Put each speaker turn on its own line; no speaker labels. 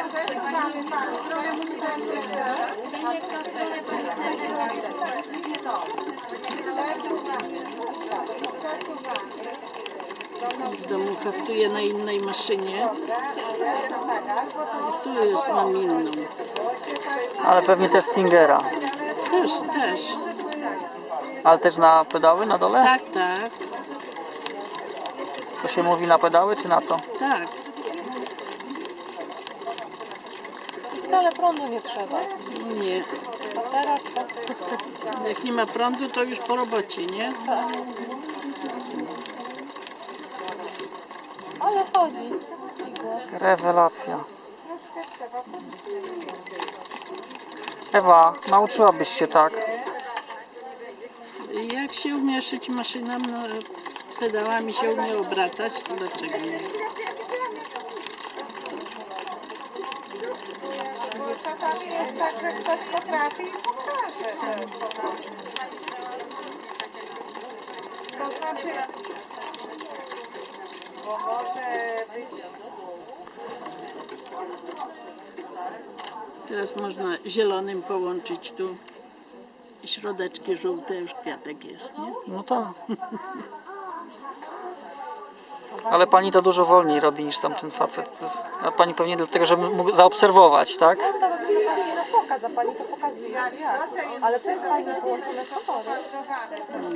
W domu haftuję na innej maszynie. Tu jest, mam inną.
Ale pewnie też Singera.
Też.
Ale też na pedały na dole?
Tak, tak,
Co się mówi, na pedały czy na co?
tak.
Wcale prądu nie trzeba.
Nie.
A teraz to...
Jak nie ma prądu, to już po robocie, nie?
Ale chodzi. Igła.
Rewelacja. Ewa, nauczyłabyś się tak.
Jak się umie szyć maszyną, no, pedałami się umie obracać, to dlaczego nie?
Czasami jest tak, że ktoś potrafi i pokaże. To znaczy, bo może być...
Teraz można zielonym połączyć tu środeczki żółte, już kwiatek jest, nie?
No tak. Ale pani to dużo wolniej robi niż tamten facet. A pani pewnie dlatego, żeby mógł zaobserwować, tak?
No to robimy pani na pokaz, a pani to pokazuje jak. Ale to jest fajnie połączone z pokorem.